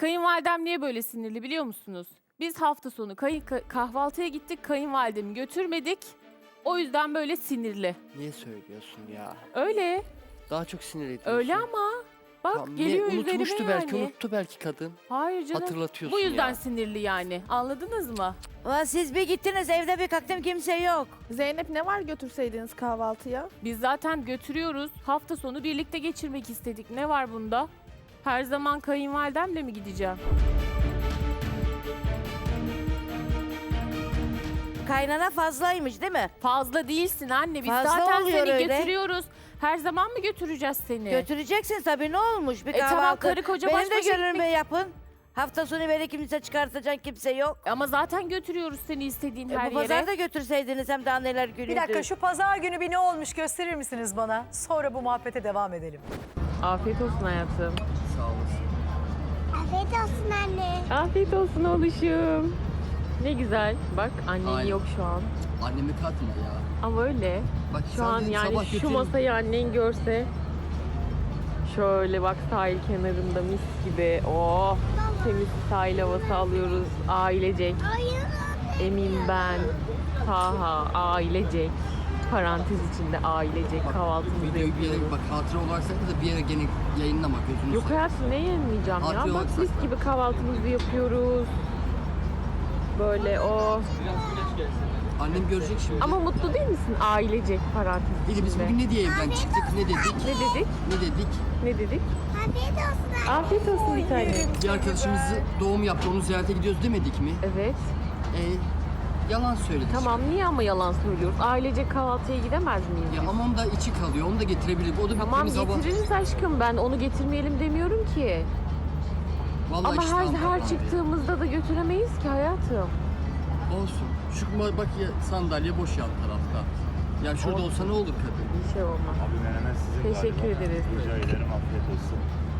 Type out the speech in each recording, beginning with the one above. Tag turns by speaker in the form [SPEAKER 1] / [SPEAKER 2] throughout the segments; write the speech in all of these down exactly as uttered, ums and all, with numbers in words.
[SPEAKER 1] Kayınvalidem niye böyle sinirli biliyor musunuz? Biz hafta sonu kayın, ka- kahvaltıya gittik, kayınvalidemi götürmedik. O yüzden böyle sinirli.
[SPEAKER 2] Niye söylüyorsun ya?
[SPEAKER 1] Öyle,
[SPEAKER 2] Daha çok sinir ediyorsun.
[SPEAKER 1] öyle ama. Bak
[SPEAKER 2] Tamam,
[SPEAKER 1] geliyor
[SPEAKER 2] ne,
[SPEAKER 1] üzerime
[SPEAKER 2] unutmuştu belki,
[SPEAKER 1] yani.
[SPEAKER 2] unuttu belki kadın.
[SPEAKER 1] Hayır canım.
[SPEAKER 2] Hatırlatıyorsun
[SPEAKER 1] Bu yüzden
[SPEAKER 2] ya.
[SPEAKER 1] sinirli yani. Anladınız mı?
[SPEAKER 3] Ulan siz bir gittiniz evde bir kalktım kimse yok.
[SPEAKER 4] Zeynep ne var götürseydiniz kahvaltıya?
[SPEAKER 1] Biz zaten götürüyoruz. Hafta sonu birlikte geçirmek istedik. Ne var bunda? Her zaman kayınvalidemle mi gideceğim?
[SPEAKER 3] Kaynana fazlaymış değil mi?
[SPEAKER 1] Fazla değilsin anne. Biz
[SPEAKER 3] Fazla
[SPEAKER 1] zaten
[SPEAKER 3] oluyor
[SPEAKER 1] seni
[SPEAKER 3] öyle.
[SPEAKER 1] götürüyoruz. Her zaman mı götüreceğiz seni?
[SPEAKER 3] Götüreceksin tabii ne olmuş bir
[SPEAKER 1] E
[SPEAKER 3] kahvaltı.
[SPEAKER 1] tamam, karı koca
[SPEAKER 3] Benim
[SPEAKER 1] baş
[SPEAKER 3] de
[SPEAKER 1] başa
[SPEAKER 3] gönlümü
[SPEAKER 1] gitmek-
[SPEAKER 3] yapın. Hafta sonu beni kimse çıkartacak kimse yok.
[SPEAKER 1] Ama zaten götürüyoruz seni istediğin
[SPEAKER 3] E,
[SPEAKER 1] her
[SPEAKER 3] bu
[SPEAKER 1] yere.
[SPEAKER 3] pazarda götürseydiniz hem de anneler günüydü.
[SPEAKER 5] Bir dakika şu pazar günü bir ne olmuş gösterir misiniz bana? Sonra bu muhabbete devam edelim.
[SPEAKER 1] Afiyet olsun hayatım.
[SPEAKER 2] Sağ olasın.
[SPEAKER 6] Afiyet olsun anne.
[SPEAKER 1] Afiyet olsun oğluşum. Ne güzel. Bak annen
[SPEAKER 2] Aynen.
[SPEAKER 1] yok şu an.
[SPEAKER 2] Annemi katma ya.
[SPEAKER 1] Ama öyle.
[SPEAKER 2] Bak
[SPEAKER 1] Şu
[SPEAKER 2] sen
[SPEAKER 1] an
[SPEAKER 2] dedim,
[SPEAKER 1] yani
[SPEAKER 2] sabah
[SPEAKER 1] şu
[SPEAKER 2] götürün.
[SPEAKER 1] masayı annen görse. Şöyle bak sahil kenarında mis gibi. Oh temiz sahil havası alıyoruz. Ailecek.
[SPEAKER 6] Hayır anne.
[SPEAKER 1] Emin ben. Taha ailecek. Parantez içinde ailecek kahvaltımızı
[SPEAKER 2] Videoyu bir yere
[SPEAKER 1] yapıyoruz.
[SPEAKER 2] bak, hatıra olarak sakla da bir yere gene yayınlama gözünü
[SPEAKER 1] Yok
[SPEAKER 2] seveyim.
[SPEAKER 1] hayatım ne yemeyeceğim ya.
[SPEAKER 2] Afiyet
[SPEAKER 1] Bak
[SPEAKER 2] olsun.
[SPEAKER 1] mis gibi kahvaltımızı yapıyoruz. Böyle o.
[SPEAKER 2] Annem görecek şimdi.
[SPEAKER 1] Ama mutlu değil misin ailecek parantez
[SPEAKER 2] İyi de biz
[SPEAKER 1] içinde?
[SPEAKER 2] bugün ne diye evden çıktık, ne dedik?
[SPEAKER 1] Ne dedik?
[SPEAKER 2] Ne dedik?
[SPEAKER 1] Ne dedik?
[SPEAKER 6] Afiyet olsun anne.
[SPEAKER 1] Afiyet olsun bir tane.
[SPEAKER 2] Bir arkadaşımızı doğum yaptı, onu ziyarete gidiyoruz demedik mi?
[SPEAKER 1] Evet.
[SPEAKER 2] E, yalan söyledik.
[SPEAKER 1] Tamam niye ama yalan söylüyoruz? Ailecek kahvaltıya gidemez miyiz?
[SPEAKER 2] Ya ama onun da içi kalıyor, onu da getirebilir. O da
[SPEAKER 1] Tamam
[SPEAKER 2] bittiğimiz hava.
[SPEAKER 1] getiririz aşkım. Ben onu getirmeyelim demiyorum ki.
[SPEAKER 2] Vallahi
[SPEAKER 1] Ama
[SPEAKER 2] işte
[SPEAKER 1] her
[SPEAKER 2] anlatmam
[SPEAKER 1] her
[SPEAKER 2] ya.
[SPEAKER 1] çıktığımızda da götüremeyiz ki hayatım.
[SPEAKER 2] Olsun. Şu ma- bak ya sandalye boş yan tarafta. Ya şurada
[SPEAKER 1] Olsun.
[SPEAKER 2] olsa ne olur kadın?
[SPEAKER 1] Bir şey olmaz.
[SPEAKER 7] Abi menemen sizin
[SPEAKER 1] Teşekkür
[SPEAKER 7] galiba.
[SPEAKER 1] ederiz.
[SPEAKER 7] Rica ederim, afiyet olsun.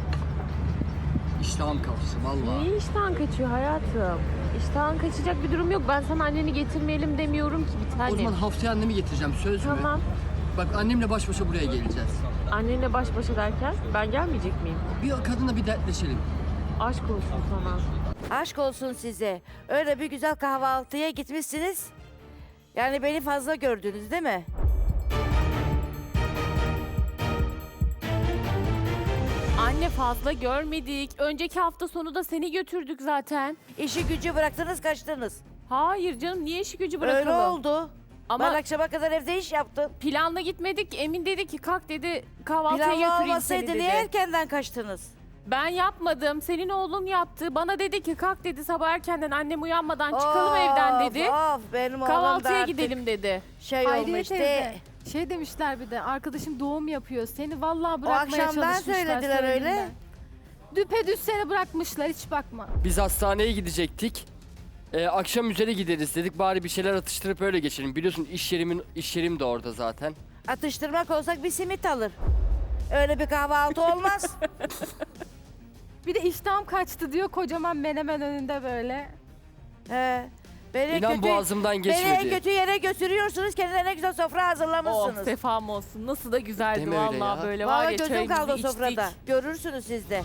[SPEAKER 2] İştahım kalsın vallahi.
[SPEAKER 1] Niye iştahın kaçıyor hayatım? İştahın kaçacak bir durum yok. Ben sana anneni getirmeyelim demiyorum ki bir
[SPEAKER 2] O
[SPEAKER 1] tane.
[SPEAKER 2] zaman haftaya annemi getireceğim, söz mü?
[SPEAKER 1] Tamam.
[SPEAKER 2] Bak annemle baş başa buraya geleceğiz.
[SPEAKER 1] Annenle baş başa derken ben gelmeyecek miyim?
[SPEAKER 2] Bir kadınla bir dertleşelim.
[SPEAKER 1] Aşk olsun sana.
[SPEAKER 3] Aşk olsun size. Öyle bir güzel kahvaltıya gitmişsiniz. Yani beni fazla gördünüz değil mi?
[SPEAKER 1] Anne fazla görmedik. Önceki hafta sonu da seni götürdük zaten.
[SPEAKER 3] İşi gücü bıraktınız kaçtınız.
[SPEAKER 1] Hayır canım niye işi gücü bırakalım?
[SPEAKER 3] Öyle oldu.
[SPEAKER 1] Ama
[SPEAKER 3] Ben akşama kadar evde iş yaptım.
[SPEAKER 1] planla gitmedik. Emin dedi ki kalk dedi kahvaltıya
[SPEAKER 3] Planlı
[SPEAKER 1] götüreyim seni
[SPEAKER 3] olmasaydı
[SPEAKER 1] dedi.
[SPEAKER 3] niye erkenden kaçtınız?
[SPEAKER 1] Ben yapmadım. Senin oğlun yaptı. Bana dedi ki kalk dedi sabah erkenden annem uyanmadan çıkalım
[SPEAKER 3] Of,
[SPEAKER 1] evden dedi.
[SPEAKER 3] Of benim oğlum da
[SPEAKER 1] Kahvaltıya
[SPEAKER 3] artık
[SPEAKER 1] gidelim dedi.
[SPEAKER 3] şey
[SPEAKER 8] Hayriye
[SPEAKER 3] olmuş.
[SPEAKER 8] teyze,
[SPEAKER 3] de-
[SPEAKER 8] şey demişler bir de arkadaşım doğum yapıyor. Seni vallahi
[SPEAKER 3] O
[SPEAKER 8] bırakmaya
[SPEAKER 3] akşamdan
[SPEAKER 8] çalışmışlar.
[SPEAKER 3] söylediler öyle.
[SPEAKER 8] söylediler. Düpedüz seni bırakmışlar hiç bakma.
[SPEAKER 2] Biz hastaneye gidecektik. Ee, akşam üzere gideriz dedik. Bari bir şeyler atıştırıp öyle geçelim. Biliyorsun iş yerimin iş yerim de orada zaten.
[SPEAKER 3] Atıştırmak olsak bir simit alır. Öyle bir kahvaltı olmaz.
[SPEAKER 8] Bir de iştahım kaçtı diyor kocaman menemen önünde böyle.
[SPEAKER 3] He. Beni
[SPEAKER 2] İnan
[SPEAKER 3] kötü,
[SPEAKER 2] boğazımdan
[SPEAKER 3] beni en
[SPEAKER 2] geçmedi.
[SPEAKER 3] kötü yere götürüyorsunuz. Kendine ne güzel sofra
[SPEAKER 1] Oh
[SPEAKER 3] hazırlamışsınız.
[SPEAKER 1] sefam olsun. Nasıl da güzeldi
[SPEAKER 2] Deme öyle
[SPEAKER 1] vallahi
[SPEAKER 2] ya.
[SPEAKER 1] böyle var
[SPEAKER 3] Vallahi
[SPEAKER 1] ya
[SPEAKER 3] gözüm
[SPEAKER 1] çayımızı
[SPEAKER 3] kaldı o
[SPEAKER 1] içtik.
[SPEAKER 3] sofrada. Görürsünüz siz de.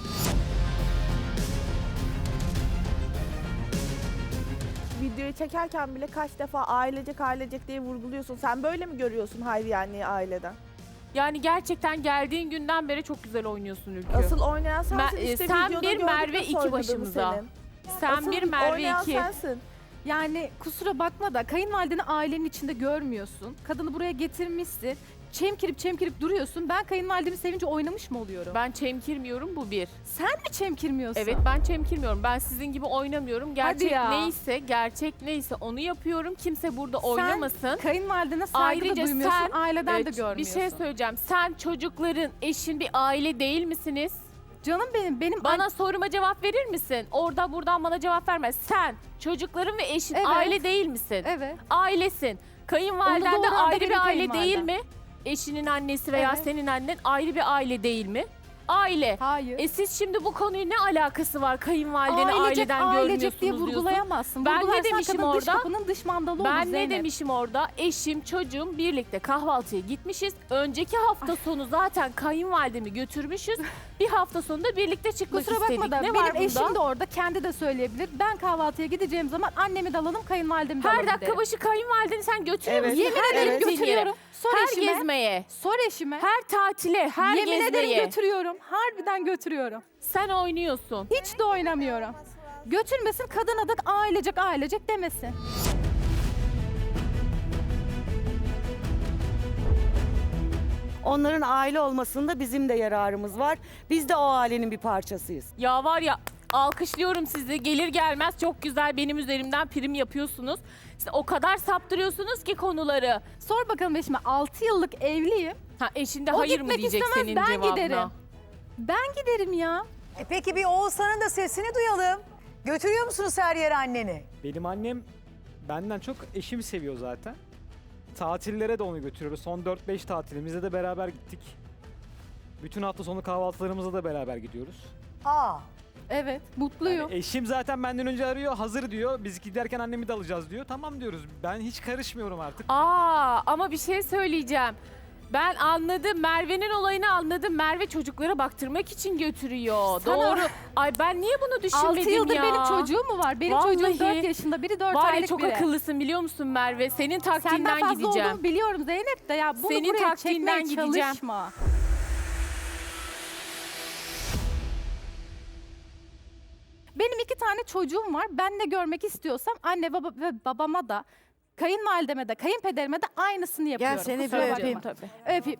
[SPEAKER 4] Videoyu çekerken bile kaç defa ailecek ailecek diye vurguluyorsun. Sen böyle mi görüyorsun Hayriye anneyi aileden?
[SPEAKER 1] Yani gerçekten geldiğin günden beri çok güzel oynuyorsun Ülkü.
[SPEAKER 4] Asıl oynayan sensin.
[SPEAKER 1] Me-
[SPEAKER 4] işte
[SPEAKER 1] sen
[SPEAKER 4] videoda
[SPEAKER 1] bir,
[SPEAKER 4] gördük
[SPEAKER 1] Merve
[SPEAKER 4] nasıl
[SPEAKER 1] iki
[SPEAKER 4] oynadığını
[SPEAKER 1] başımıza.
[SPEAKER 4] senin.
[SPEAKER 1] Sen
[SPEAKER 4] Asıl
[SPEAKER 1] bir Merve
[SPEAKER 4] oynayan
[SPEAKER 1] iki.
[SPEAKER 4] sensin.
[SPEAKER 8] Yani kusura bakma da kayınvalideni ailenin içinde görmüyorsun. Kadını buraya getirmişsin. Çemkirip çemkirip duruyorsun. Ben kayınvalidemi sevince oynamış mı oluyorum?
[SPEAKER 1] Ben çemkirmiyorum bu bir.
[SPEAKER 8] Sen mi çemkirmiyorsun?
[SPEAKER 1] Evet ben çemkirmiyorum. Ben sizin gibi oynamıyorum. Gerçek
[SPEAKER 8] ya.
[SPEAKER 1] neyse, gerçek neyse onu yapıyorum. Kimse burada oynamasın.
[SPEAKER 8] Kayınvalidene saygı da
[SPEAKER 1] Ayrıca
[SPEAKER 8] duymuyorsun,
[SPEAKER 1] sen
[SPEAKER 8] aileden
[SPEAKER 1] Evet,
[SPEAKER 8] de görmüyorsun.
[SPEAKER 1] bir şey söyleyeceğim. Sen çocukların, eşin bir aile değil misiniz?
[SPEAKER 8] Canım benim, benim
[SPEAKER 1] Bana soruma cevap verir misin? Orada buradan bana cevap verme. Sen çocukların ve eşin
[SPEAKER 8] Evet.
[SPEAKER 1] aile değil misin?
[SPEAKER 8] Evet.
[SPEAKER 1] Ailesin. Kayınvaliden
[SPEAKER 8] Onu
[SPEAKER 1] de
[SPEAKER 8] doğuran da
[SPEAKER 1] ayrı
[SPEAKER 8] benim
[SPEAKER 1] bir aile
[SPEAKER 8] kayınvalidem.
[SPEAKER 1] değil mi? Eşinin annesi veya
[SPEAKER 8] Evet.
[SPEAKER 1] senin annen ayrı bir aile değil mi? aile.
[SPEAKER 8] Hayır.
[SPEAKER 1] E siz şimdi bu konuyu ne alakası var kayınvalideni
[SPEAKER 8] ailecek,
[SPEAKER 1] aileden
[SPEAKER 8] ailecek
[SPEAKER 1] görmüyorsunuz
[SPEAKER 8] diye
[SPEAKER 1] diyorsun.
[SPEAKER 8] vurgulayamazsın.
[SPEAKER 1] Ben ne
[SPEAKER 8] Vurgularsan
[SPEAKER 1] demişim
[SPEAKER 8] kadın dış
[SPEAKER 1] orada?
[SPEAKER 8] kapının dış mandalı olur
[SPEAKER 1] Ben ne
[SPEAKER 8] Zeynep.
[SPEAKER 1] demişim orada? Eşim, çocuğum birlikte kahvaltıya gitmişiz. Önceki hafta sonu zaten kayınvalidemi götürmüşüz. Bir hafta sonunda birlikte çıkmak
[SPEAKER 8] Kusura
[SPEAKER 1] istedik.
[SPEAKER 8] bakma da
[SPEAKER 1] Ne
[SPEAKER 8] benim
[SPEAKER 1] var bunda?
[SPEAKER 8] eşim de orada kendi de söyleyebilir. Ben kahvaltıya gideceğim zaman annemi de alalım, kayınvalidemi de
[SPEAKER 1] Her
[SPEAKER 8] alalım
[SPEAKER 1] dakika
[SPEAKER 8] derim.
[SPEAKER 1] başı kayınvalideni sen götürüyor
[SPEAKER 4] Evet.
[SPEAKER 1] musun?
[SPEAKER 8] Yemin
[SPEAKER 1] Her
[SPEAKER 8] ederim
[SPEAKER 1] gittiğin yere.
[SPEAKER 8] götürüyorum. Sor
[SPEAKER 1] Her
[SPEAKER 8] eşime.
[SPEAKER 1] gezmeye,
[SPEAKER 8] Sor eşime.
[SPEAKER 1] her tatile, her
[SPEAKER 8] Yemin ederim
[SPEAKER 1] gezmeye.
[SPEAKER 8] götürüyorum. Harbiden götürüyorum.
[SPEAKER 1] Sen oynuyorsun.
[SPEAKER 8] Hiç de oynamıyorum. Götürmesin, kadına da ailecek ailecek demesin.
[SPEAKER 9] Onların aile olmasında bizim de yararımız var. Biz de o ailenin bir parçasıyız.
[SPEAKER 1] Ya var ya alkışlıyorum sizi. Gelir gelmez çok güzel benim üzerimden prim yapıyorsunuz. İşte o kadar saptırıyorsunuz ki konuları.
[SPEAKER 8] Sor bakalım eşime, altı yıllık evliyim.
[SPEAKER 1] Ha eşinde
[SPEAKER 8] O
[SPEAKER 1] hayır mı
[SPEAKER 8] gitmek
[SPEAKER 1] diyecek
[SPEAKER 8] istemez,
[SPEAKER 1] senin
[SPEAKER 8] ben
[SPEAKER 1] cevabına?
[SPEAKER 8] giderim. Ben giderim ya.
[SPEAKER 5] E peki bir Oğuzhan'ın da sesini duyalım. Götürüyor musunuz her yere anneni?
[SPEAKER 10] Benim annem benden çok eşimi seviyor zaten. Tatillere de onu götürüyoruz. Son dört beş tatilimizde de beraber gittik. Bütün hafta sonu kahvaltılarımıza da beraber gidiyoruz.
[SPEAKER 5] Aa.
[SPEAKER 8] Evet, mutluyum.
[SPEAKER 10] Yani eşim zaten benden önce arıyor, hazır diyor. Biz giderken annemi de alacağız diyor. Tamam diyoruz. Ben hiç karışmıyorum artık.
[SPEAKER 1] Aa ama bir şey söyleyeceğim. Ben anladım. Merve'nin olayını anladım. Merve çocuklara baktırmak için götürüyor.
[SPEAKER 8] Sana-
[SPEAKER 1] Doğru. Ay ben niye bunu düşünmedim
[SPEAKER 8] altı yıldır
[SPEAKER 1] ya?
[SPEAKER 8] benim çocuğum mu var? Benim
[SPEAKER 1] Vallahi.
[SPEAKER 8] çocuğum dört yaşında, biri dört
[SPEAKER 1] Var ya
[SPEAKER 8] aylık
[SPEAKER 1] çok
[SPEAKER 8] biri.
[SPEAKER 1] akıllısın biliyor musun Merve? Senin
[SPEAKER 8] Senden
[SPEAKER 1] taktiğinden
[SPEAKER 8] fazla
[SPEAKER 1] gideceğim.
[SPEAKER 8] olduğumu biliyorum Zeynep de ya bunu
[SPEAKER 1] Senin
[SPEAKER 8] buraya
[SPEAKER 1] taktiğinden
[SPEAKER 8] çekmeye
[SPEAKER 1] gideceğim.
[SPEAKER 8] çalışma. Benim iki tane çocuğum var. Ben ne görmek istiyorsam anne baba ve babama da, kayınvalideme de, kayınpederime de aynısını yapıyorum.
[SPEAKER 3] Gel seni bir
[SPEAKER 8] Kusura bakma.
[SPEAKER 3] öpeyim.
[SPEAKER 8] Öpeyim.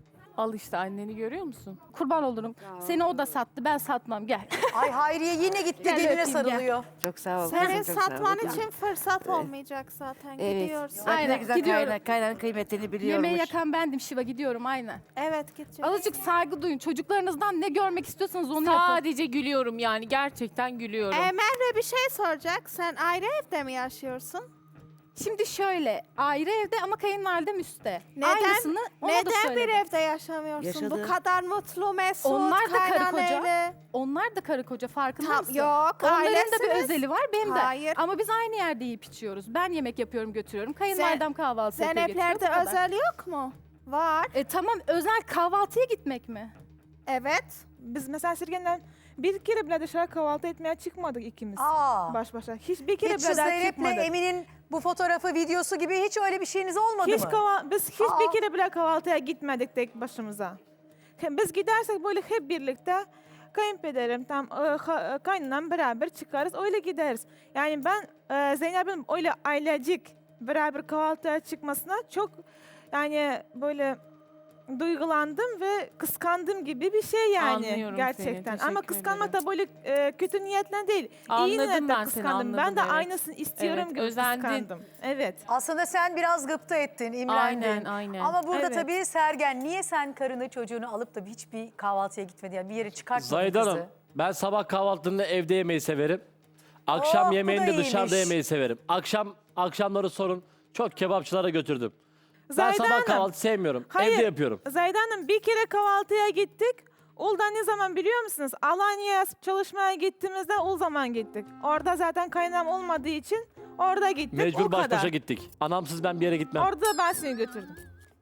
[SPEAKER 1] Al işte anneni görüyor musun?
[SPEAKER 8] Kurban olurum. Seni o da sattı, ben satmam. Gel.
[SPEAKER 5] Ay Hayriye yine gitti
[SPEAKER 8] Gel
[SPEAKER 5] geline
[SPEAKER 8] öpeyim, gel.
[SPEAKER 5] sarılıyor.
[SPEAKER 3] Çok sağ ol.
[SPEAKER 6] Senin
[SPEAKER 3] kızım, çok sağ ol.
[SPEAKER 6] satman
[SPEAKER 3] Tamam.
[SPEAKER 6] için fırsat olmayacak zaten.
[SPEAKER 3] Evet.
[SPEAKER 6] Gidiyorsun.
[SPEAKER 3] Bak ne
[SPEAKER 8] Aynen,
[SPEAKER 3] güzel
[SPEAKER 8] gidiyorum.
[SPEAKER 3] kaynan, kaynan kıymetini biliyormuş.
[SPEAKER 8] Yemeği yakan bendim Şiva, gidiyorum aynen.
[SPEAKER 6] Evet gideceğiz.
[SPEAKER 8] Azıcık saygı duyun. Çocuklarınızdan ne görmek istiyorsanız onu yapın.
[SPEAKER 1] Sadece gülüyorum yani. Gerçekten gülüyorum.
[SPEAKER 6] Ee, Merve bir şey soracak. Sen ayrı evde mi yaşıyorsun?
[SPEAKER 8] Şimdi şöyle, ayrı evde ama kayınvalidem üstte.
[SPEAKER 6] Neden-
[SPEAKER 8] Aynısını ona da
[SPEAKER 6] Neden bir
[SPEAKER 8] söyledim.
[SPEAKER 6] evde yaşamıyorsun?
[SPEAKER 3] Yaşadı.
[SPEAKER 6] Bu kadar mutlu, mesut,
[SPEAKER 8] Onlar da karı koca.
[SPEAKER 6] kaynanayla.
[SPEAKER 8] Onlar da karı koca, farkında
[SPEAKER 6] Tam,
[SPEAKER 8] mısın?
[SPEAKER 6] yok,
[SPEAKER 8] Onların da bir
[SPEAKER 6] ailesiniz.
[SPEAKER 8] özeli var, benim de.
[SPEAKER 6] Hayır.
[SPEAKER 8] Ama biz aynı yerde yiyip içiyoruz. Ben yemek yapıyorum, götürüyorum. Kayınvalidem kahvaltı yapıyor, götürüyor.
[SPEAKER 6] Zeynep'lerde
[SPEAKER 8] bu kadar.
[SPEAKER 6] özel yok mu? Var.
[SPEAKER 8] E tamam, özel kahvaltıya gitmek mi?
[SPEAKER 6] Evet.
[SPEAKER 4] Biz mesela Sirgen'den bir kere bile dışarı kahvaltı etmeye çıkmadık ikimiz.
[SPEAKER 5] Aa.
[SPEAKER 4] Baş başa. Hiç bir kere
[SPEAKER 5] Hiç
[SPEAKER 4] bile
[SPEAKER 5] şu
[SPEAKER 4] daha
[SPEAKER 5] Zeynep'le
[SPEAKER 4] çıkmadık.
[SPEAKER 5] Emin'in bu fotoğrafı, videosu gibi hiç öyle bir şeyiniz olmadı
[SPEAKER 4] Hiç
[SPEAKER 5] mı?
[SPEAKER 4] kahva- biz hiç
[SPEAKER 5] Aa.
[SPEAKER 4] bir kere bile kahvaltıya gitmedik tek başımıza. He- Biz gidersek böyle hep birlikte kayınpederim, tam e, ha- e, kaynanam beraber çıkarız, öyle gideriz. Yani ben e, Zeynep'in öyle ailecik beraber kahvaltıya çıkmasına çok yani böyle duygulandım ve kıskandım gibi bir şey yani
[SPEAKER 1] Anlıyorum
[SPEAKER 4] gerçekten.
[SPEAKER 1] seni,
[SPEAKER 4] Ama
[SPEAKER 1] teşekkür
[SPEAKER 4] kıskanmak da böyle e, kötü niyetle değil. İyi
[SPEAKER 1] Anladım
[SPEAKER 4] niyetle
[SPEAKER 1] ben seni,
[SPEAKER 4] kıskandım. Ben
[SPEAKER 1] anladım,
[SPEAKER 4] de
[SPEAKER 1] evet.
[SPEAKER 4] aynısını istiyorum
[SPEAKER 1] Evet,
[SPEAKER 4] gibi
[SPEAKER 1] özendin.
[SPEAKER 4] kıskandım. Evet.
[SPEAKER 5] Aslında sen biraz gıpta ettin, imrendin.
[SPEAKER 1] Aynen, aynen.
[SPEAKER 5] Ama burada
[SPEAKER 4] Evet.
[SPEAKER 5] tabii Sergen, niye sen karını çocuğunu alıp da hiçbir kahvaltıya gitmedi? Yani bir yere çıkartmadın
[SPEAKER 11] Zahide
[SPEAKER 5] kızı?
[SPEAKER 11] Hanım, ben sabah kahvaltında evde yemeyi severim. Akşam
[SPEAKER 5] Oh, bu
[SPEAKER 11] yemeğini
[SPEAKER 5] da
[SPEAKER 11] de dışarıda
[SPEAKER 5] iyiymiş.
[SPEAKER 11] yemeyi severim. Akşam akşamları sorun. Çok kebapçılara götürdüm. Ben
[SPEAKER 4] Zahide
[SPEAKER 11] sabah
[SPEAKER 4] Hanım,
[SPEAKER 11] kahvaltı sevmiyorum.
[SPEAKER 4] hayır.
[SPEAKER 11] Evde yapıyorum.
[SPEAKER 4] Zahide Hanım bir kere kahvaltıya gittik. Ulda ne zaman biliyor musunuz? Alanya'ya çalışmaya gittiğimizde o zaman gittik. Orada zaten kaynam olmadığı için orada gittik. o
[SPEAKER 11] Mecbur baş
[SPEAKER 4] kadar.
[SPEAKER 11] başa gittik. Anamsız ben bir yere gitmem.
[SPEAKER 4] Orada ben seni götürdüm.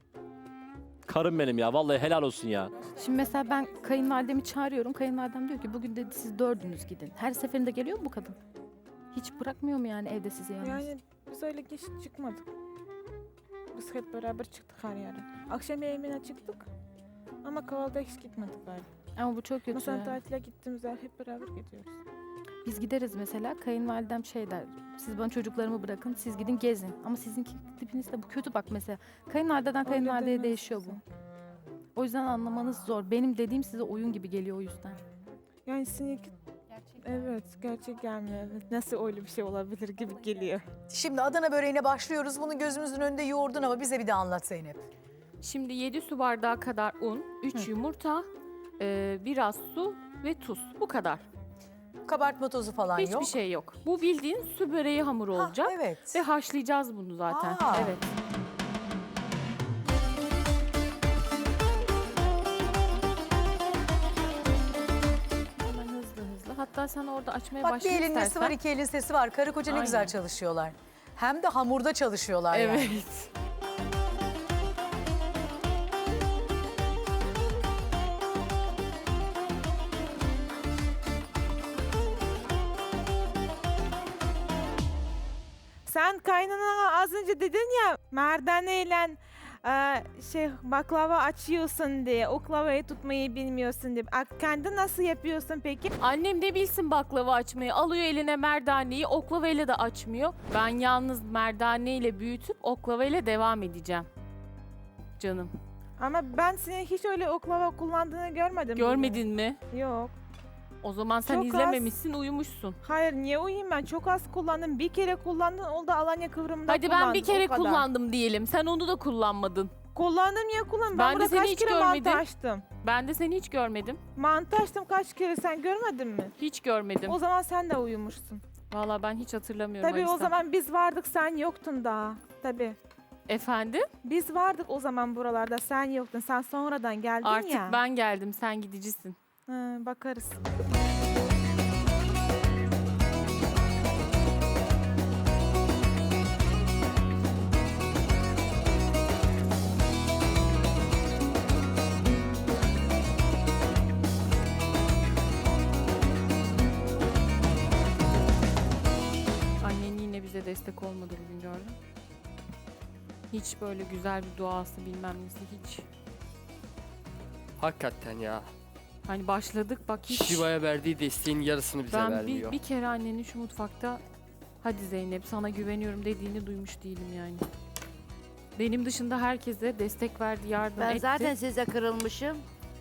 [SPEAKER 11] Karım benim ya. Vallahi helal olsun ya.
[SPEAKER 8] Şimdi mesela ben kayınvalidemi çağırıyorum. Kayınvalidem diyor ki bugün dedi siz dördünüz gidin. Her seferinde geliyor mu bu kadın? Hiç bırakmıyor mu yani evde sizi yalnız?
[SPEAKER 4] Yani biz öyle geç çıkmadık. Biz hep beraber çıktık her yere. Akşam yemeğine çıktık. Ama kahvaltıya hiç gitmedik galiba.
[SPEAKER 8] Ama bu çok kötü.
[SPEAKER 4] Mesela
[SPEAKER 8] ya.
[SPEAKER 4] tatile gittiğimizde hep beraber gidiyoruz.
[SPEAKER 8] Biz gideriz mesela, kayınvalidem şey der, siz bana çocuklarımı bırakın, siz gidin gezin. Ama sizinki tipiniz de bu kötü bak mesela. Kayınvalideden
[SPEAKER 4] Öyle
[SPEAKER 8] kayınvalideye
[SPEAKER 4] demez
[SPEAKER 8] değişiyor bu.
[SPEAKER 4] kızım.
[SPEAKER 8] O yüzden anlamanız zor. Benim dediğim size oyun gibi geliyor o yüzden.
[SPEAKER 4] Yani seninki... Evet, gerçek gelmiyor. Evet. Nasıl öyle bir şey olabilir gibi geliyor.
[SPEAKER 5] Şimdi Adana böreğine başlıyoruz. Bunu gözümüzün önünde yoğurdun ama bize bir de anlat Zeynep.
[SPEAKER 1] Şimdi yedi su bardağı kadar un, üç yumurta, e, biraz su ve tuz. Bu kadar.
[SPEAKER 5] Kabartma tozu falan
[SPEAKER 1] Hiçbir
[SPEAKER 5] yok.
[SPEAKER 1] şey yok. Bu bildiğin su böreği hamuru
[SPEAKER 5] Ha,
[SPEAKER 1] olacak.
[SPEAKER 5] evet.
[SPEAKER 1] Ve haşlayacağız bunu zaten.
[SPEAKER 5] Aa.
[SPEAKER 1] Evet.
[SPEAKER 8] Hatta sen orada açmaya
[SPEAKER 5] Bak bir
[SPEAKER 8] başla
[SPEAKER 5] elin
[SPEAKER 8] istersen.
[SPEAKER 5] nesi var, iki elin sesi var. Karı koca ne
[SPEAKER 8] Aynen.
[SPEAKER 5] güzel çalışıyorlar. Hem de hamurda çalışıyorlar yani.
[SPEAKER 8] Evet.
[SPEAKER 4] Sen kaynanana az önce dedin ya merdaneyle e, şey baklava açıyorsun diye, oklavayı tutmayı bilmiyorsun diye. A- Kendi nasıl yapıyorsun peki?
[SPEAKER 8] Annem de bilsin baklava açmayı. Alıyor eline merdaneyi, oklavayla da açmıyor. Ben yalnız merdaneyle büyütüp oklavayla devam edeceğim. Canım.
[SPEAKER 4] Ama ben senin hiç öyle oklava kullandığını görmedim.
[SPEAKER 8] Görmedin mi?
[SPEAKER 4] bugün. Yok.
[SPEAKER 8] O zaman sen
[SPEAKER 4] Çok az.
[SPEAKER 8] izlememişsin, uyumuşsun.
[SPEAKER 4] Hayır niye uyuyayım ben? Çok az kullandım. Bir kere kullandın, o da Alanya kıvrımında
[SPEAKER 8] Hadi ben
[SPEAKER 4] kullandın,
[SPEAKER 8] bir kere
[SPEAKER 4] o kadar.
[SPEAKER 8] kullandım diyelim. Sen onu da kullanmadın.
[SPEAKER 4] Kullandım ya kullandım.
[SPEAKER 8] Ben
[SPEAKER 4] Ben,
[SPEAKER 8] de
[SPEAKER 4] burada
[SPEAKER 8] seni
[SPEAKER 4] kaç
[SPEAKER 8] hiç
[SPEAKER 4] kere
[SPEAKER 8] görmedim.
[SPEAKER 4] mantı açtım.
[SPEAKER 8] Ben de seni hiç görmedim.
[SPEAKER 4] Mantı açtım kaç kere, sen görmedin mi?
[SPEAKER 8] Hiç görmedim.
[SPEAKER 4] O zaman sen de uyumuşsun.
[SPEAKER 8] Vallahi ben hiç hatırlamıyorum
[SPEAKER 4] Tabii o
[SPEAKER 8] Alisa.
[SPEAKER 4] zaman biz vardık, sen yoktun daha. Tabii.
[SPEAKER 8] Efendim?
[SPEAKER 4] Biz vardık o zaman buralarda, sen yoktun. Sen sonradan geldin
[SPEAKER 8] Artık
[SPEAKER 4] ya.
[SPEAKER 8] ben geldim, sen gidicisin.
[SPEAKER 4] Hı, bakarız.
[SPEAKER 8] Annen yine bize destek olmadı bugün, gördün mü? Hiç böyle güzel bir duası bilmem nesi hiç.
[SPEAKER 2] Hakikaten ya.
[SPEAKER 8] Hani başladık bak hiç.
[SPEAKER 2] Şiva'ya verdiği desteğin yarısını bize
[SPEAKER 8] Ben
[SPEAKER 2] vermiyor.
[SPEAKER 8] bir, bir kere annenin şu mutfakta hadi Zeynep sana güveniyorum dediğini duymuş değilim yani. Benim dışında herkese destek verdi, yardım
[SPEAKER 3] Ben
[SPEAKER 8] etti.
[SPEAKER 3] zaten size kırılmışım.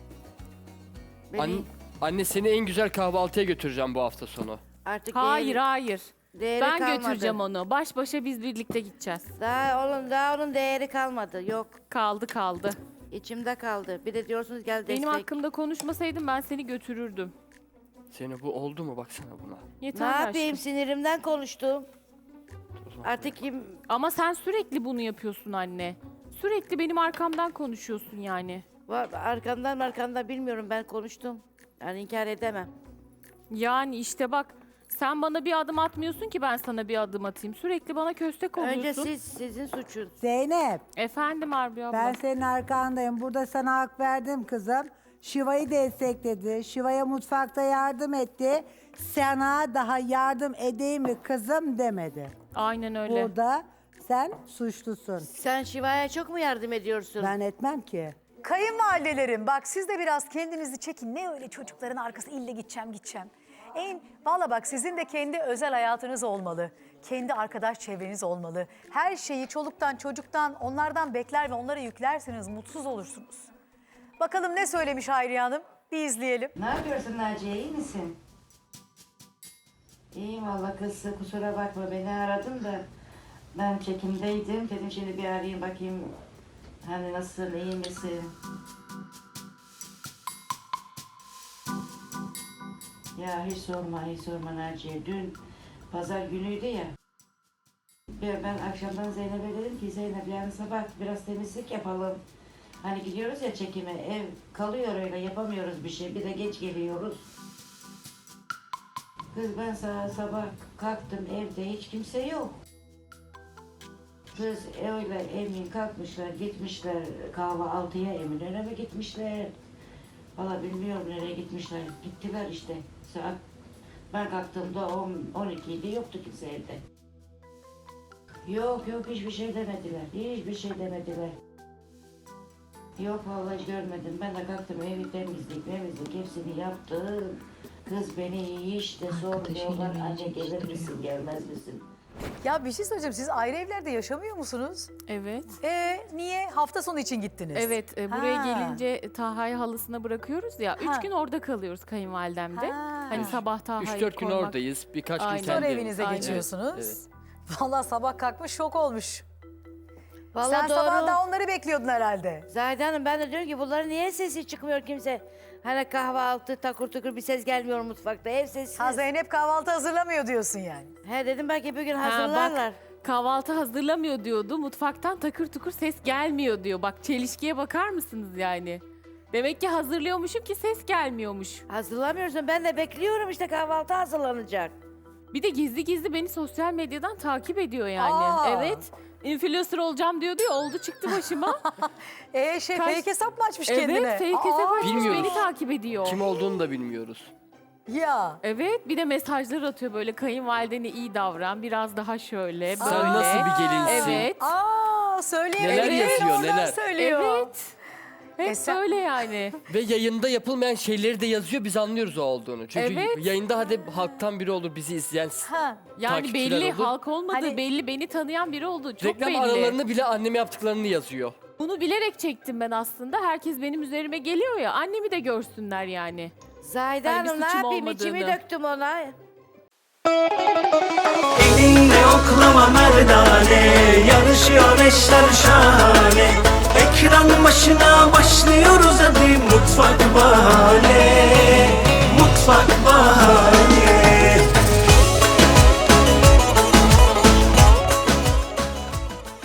[SPEAKER 3] Beni
[SPEAKER 2] An- anne seni en güzel kahvaltıya götüreceğim bu hafta sonu.
[SPEAKER 3] artık
[SPEAKER 8] Hayır
[SPEAKER 3] değeri,
[SPEAKER 8] hayır.
[SPEAKER 3] değeri
[SPEAKER 8] Ben
[SPEAKER 3] kalmadı.
[SPEAKER 8] götüreceğim onu. Baş başa biz birlikte gideceğiz.
[SPEAKER 3] Daha onun, daha onun değeri kalmadı. Yok.
[SPEAKER 8] Kaldı kaldı.
[SPEAKER 3] İçimde kaldı. Bir de diyorsunuz gel destek.
[SPEAKER 8] Benim hakkımda konuşmasaydın ben seni götürürdüm.
[SPEAKER 2] Seni bu oldu mu baksana buna.
[SPEAKER 3] Ne
[SPEAKER 8] Yeter
[SPEAKER 3] yapayım,
[SPEAKER 8] aşkım.
[SPEAKER 3] sinirimden konuştum.
[SPEAKER 2] O zaman
[SPEAKER 3] Artık kim...
[SPEAKER 8] Ama sen sürekli bunu yapıyorsun anne. Sürekli benim arkamdan konuşuyorsun yani.
[SPEAKER 3] Var, arkamdan arkamdan bilmiyorum, ben konuştum. Yani inkar edemem.
[SPEAKER 8] Yani işte bak sen bana bir adım atmıyorsun ki ben sana bir adım atayım. Sürekli bana köstek oluyorsun.
[SPEAKER 3] Önce siz, sizin suçun.
[SPEAKER 12] Zeynep,
[SPEAKER 8] Efendim Arbi abla.
[SPEAKER 12] ben senin arkandayım. Burada sana hak verdim kızım. Şiva'yı destekledi. Şiva'ya mutfakta yardım etti. Sana daha yardım edeyim mi kızım demedi.
[SPEAKER 8] Aynen öyle.
[SPEAKER 12] Burada sen suçlusun.
[SPEAKER 3] Sen Şiva'ya çok mu yardım ediyorsun?
[SPEAKER 12] Ben etmem ki.
[SPEAKER 5] Kayınvalidelerim bak siz de biraz kendinizi çekin. Ne öyle çocukların arkası ille gideceğim gideceğim. En valla bak sizin de kendi özel hayatınız olmalı. Kendi arkadaş çevreniz olmalı. Her şeyi çoluktan çocuktan onlardan bekler ve onlara yüklerseniz mutsuz olursunuz. Bakalım ne söylemiş Hayriye Hanım? Bir izleyelim.
[SPEAKER 3] Ne yapıyorsun Naciye, iyi misin? İyiyim valla kız, kusura bakma beni aradın da ben çekimdeydim. Dedim şimdi bir arayayım bakayım hani nasılsın, iyi misin? Ya hiç sorma, hiç sorma Naciye. Dün pazar günüydü ya. Ben, ben akşamdan Zeynep'e dedim ki Zeynep yarın sabah biraz temizlik yapalım. Hani gidiyoruz ya çekime, ev kalıyor öyle, yapamıyoruz bir şey. Bir de geç geliyoruz. Kız ben sabah, sabah kalktım, evde hiç kimse yok. Kız öyle emin kalkmışlar, gitmişler kahvaltıya, Eminönü'ne mi gitmişler? Valla bilmiyorum nereye gitmişler. Gittiler işte. Saat ben kalktığımda on, on iki idi, yoktu kimse evde. Yok yok hiçbir şey demediler. Hiçbir şey demediler. Yok vallahi hiç görmedim. Ben de kalktım evi temizlik, temizlik hepsini yaptım. Kız beni hiç de sormuyorlar. Anne gelir misin, gelmez misin?
[SPEAKER 5] Ya bir şey söyleyeceğim. Siz ayrı evlerde yaşamıyor musunuz?
[SPEAKER 8] Evet.
[SPEAKER 5] Ee niye? Hafta sonu için gittiniz.
[SPEAKER 8] Evet, e, buraya
[SPEAKER 5] Ha.
[SPEAKER 8] gelince Taha'yı halısına bırakıyoruz ya.
[SPEAKER 5] Ha.
[SPEAKER 8] Üç gün orada kalıyoruz kayınvalidemde.
[SPEAKER 5] Ha.
[SPEAKER 8] Hani sabah Taha'yı
[SPEAKER 2] üç dört gün
[SPEAKER 8] koymak.
[SPEAKER 2] oradayız. Birkaç gün
[SPEAKER 8] Aynen.
[SPEAKER 5] Sonra
[SPEAKER 2] kendi
[SPEAKER 5] evinize
[SPEAKER 8] Aynen.
[SPEAKER 5] geçiyorsunuz.
[SPEAKER 2] Evet.
[SPEAKER 5] Vallahi sabah kalkmış şok olmuş.
[SPEAKER 3] Vallahi
[SPEAKER 5] Sen
[SPEAKER 3] doğru.
[SPEAKER 5] sabah da onları bekliyordun herhalde.
[SPEAKER 3] Zahide Hanım ben de diyorum ki bunların niye sesi çıkmıyor kimse? Hani kahvaltı takır tukur bir ses gelmiyor mutfakta, ev sessiz.
[SPEAKER 5] Ha Zeynep kahvaltı hazırlamıyor diyorsun yani.
[SPEAKER 3] He dedim belki bugün
[SPEAKER 8] Ha,
[SPEAKER 3] hazırlarlar.
[SPEAKER 8] bak, kahvaltı hazırlamıyor diyordu. Mutfaktan takır tukur ses gelmiyor diyor. Bak çelişkiye bakar mısınız yani? Demek ki hazırlıyormuşum ki ses gelmiyormuş.
[SPEAKER 3] Hazırlamıyorsun. Ben de bekliyorum işte kahvaltı hazırlanacak.
[SPEAKER 8] Bir de gizli gizli beni sosyal medyadan takip ediyor yani.
[SPEAKER 5] Aa.
[SPEAKER 8] Evet. Influencer olacağım diyordu ya, oldu çıktı başıma.
[SPEAKER 5] Ee şey
[SPEAKER 8] Kaç-
[SPEAKER 5] fake hesap mı açmış kendine?
[SPEAKER 8] Evet, fake hesap açmış,
[SPEAKER 2] Bilmiyoruz.
[SPEAKER 8] beni takip ediyor.
[SPEAKER 2] Kim olduğunu da bilmiyoruz.
[SPEAKER 5] Ya.
[SPEAKER 8] Evet, bir de mesajlar atıyor böyle, kayınvalidene iyi davran, biraz daha şöyle böyle.
[SPEAKER 2] Sen nasıl bir gelinsin?
[SPEAKER 8] Evet.
[SPEAKER 5] Aa söyleyelim.
[SPEAKER 2] Neler yazıyor, neler?
[SPEAKER 5] Söylüyor.
[SPEAKER 8] Evet. Hep
[SPEAKER 5] E sen-
[SPEAKER 8] böyle yani.
[SPEAKER 2] Ve yayında yapılmayan şeyleri de yazıyor, biz anlıyoruz o olduğunu. Çünkü
[SPEAKER 8] Evet.
[SPEAKER 2] yayında hadi halktan biri olur bizi izleyen.
[SPEAKER 5] Ha.
[SPEAKER 8] Yani
[SPEAKER 2] Takipçiler
[SPEAKER 8] belli,
[SPEAKER 2] olur.
[SPEAKER 8] halk olmadı,
[SPEAKER 5] Hani-
[SPEAKER 8] belli, beni tanıyan biri oldu. Çok
[SPEAKER 2] Reklam
[SPEAKER 8] belli.
[SPEAKER 2] aralarını bile anneme yaptıklarını yazıyor.
[SPEAKER 8] Bunu bilerek çektim ben aslında. Herkes benim üzerime geliyor ya, annemi de görsünler yani.
[SPEAKER 3] Zahide
[SPEAKER 8] Hani bir
[SPEAKER 3] Hanım ne
[SPEAKER 8] suçum
[SPEAKER 3] yapayım? İçimi
[SPEAKER 8] olmadığını.
[SPEAKER 3] döktüm ona.
[SPEAKER 13] Elinle oklama merdane, yarışıyor eşler şahane. Ekran başına başlıyoruz hadi mutfak bahane.